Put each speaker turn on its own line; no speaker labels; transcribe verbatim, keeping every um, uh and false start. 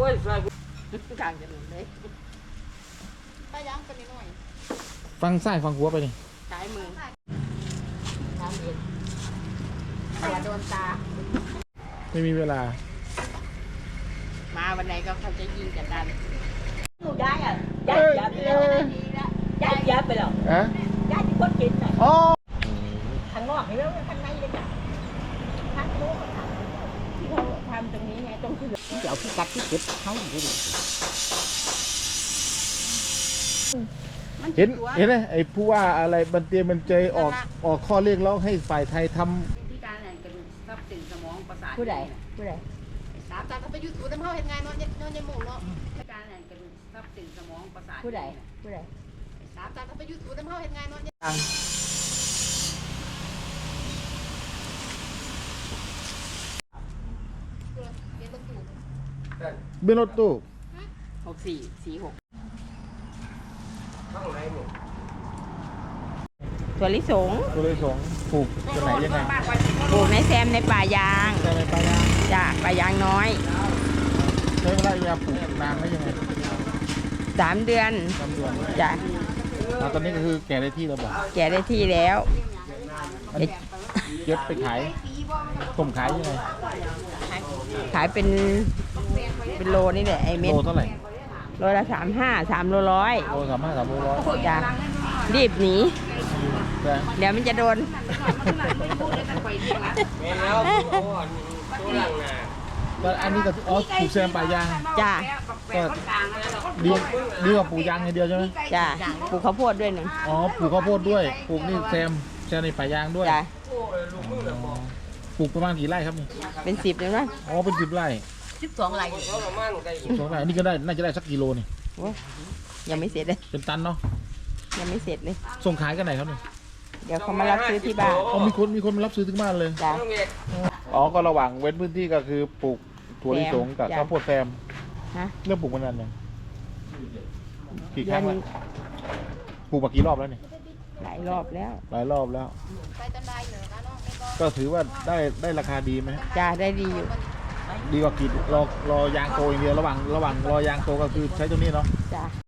ยใส่
กลางถนนเลยไปย่างไปนิดหน่อย
ฟังซ้ายฟังหัวไปนี่
ซ้ายมือตามเองอย่าโดนตา
ไม่มีเวลา
มาวันไหนก็เขาจะยิงกันดัน
หนูย้ายอ่ะย้ายย้ายไปแล้วย้ายย้ายไปแล้ว
อะ
ย้ายที่คนกินอ่ะ
อ๋อ
ข้างนอกเห็นไหมข้างในเลยจ้ะข้างโน้นที่เขาทำตรงนี้ไงตรงที่เดี๋ยวที่กัดที่เก็บเขาอยู่ดิ
เห็นเห็นไหมไอ้ผู้ว่าอะไรบันเตียมันเจยออกออกข้อเรียกร้องให้ฝ่ายไทยทำ
ที่การแหล่งกระดูกทรัพย์สินสมองประสาท
ผู้ใดผู้ใด
สามตาเขาไปอยู่ศูนย์น้ำเฮาเห็นไงนอนนอนในหมู่เนาะที่การแหล่งกระดูกทรัพย์สินสมองประสาท
ผู้ใดผู้ใด
สามตาเขาไปอยู่ศูนย์น้ำเฮาเห็นไงนอน
เบนรถตู้
หกสี่สี่หกถั่วลิสง
ตัวเลยสองปลูกตัวไหนยังไง
ปลูกในแซมในป่ายาง
ใช่ไหมปลายาง
จ้ะป่ายางน้อย
ใช้เวลาปลูกนานไหมยังไง
สามเดือน
สามเดือน
จ้ะ
ตอนนี้ก็คือแก่ได้ที่แล้วบอก
แก่ได้ที่แล้ว
เก็บไปขายส่งขายยังไง
ขายเป็นเป็นโลนี่แหละไอเม็ด
โลเท่าไหร่
โลละสามห้าสามโลร้อย
โลสามห้าสามโลร้อย
จ้ะรีบหนีเดี๋ยวมันจะโดน
แล้วอันนี้ก็อ๋อปลูกแซมป่ายาง
จ้ะ
ก็ดีดีกว่าปลูกยางอย่างเดียวใช่ไหม
จ้ะปลูกข้าวโพดด้วยหนึ่ง
อ๋อปลูกข้าวโพดด้วยปลูกนี่แซมแซมในป่ายางด้วย
จ้ะ
ปลูกประมาณกี่ไร่ครับนี่
เป็นสิบเลยมั้ย
อ๋อเป็นสิบไร่
สิบสองไร่
สิบสองไร่นี่ก็ได้น่าจะได้สักกิโลนี่
ยังไม่เสร็จเลย
เป็นตันเนาะ
ยังไม่เสร็จเลย
ส่งขายกันไหนครับนี่
เดี๋ยวเขามารับซื้อที่บ้าน
อ๋อมีคนมีคนมารับซื้อถึงบ้านเลย
จ้ะ
อ๋อก็ระหว่างเว้นพื้นที่ก็คือปลูกถั่วลิสงกับข้าวโพดแซม
ฮะ
เริ่มปลูกมานานยังกี่ครั้งแล้วปลูกมากี่รอบแล้วเนี่ย
หลายรอบแล้ว
หลายรอบแล้วก็ถือว่าได้ได้ราคาดีไหม
จ้ะได้ดีอยู่
ดีกว่ากินรอรอยางโตอย่างเดียวระหว่างระหว่างรอยางโตก็คือใช้ตัวนี้เนาะ
จ้ะ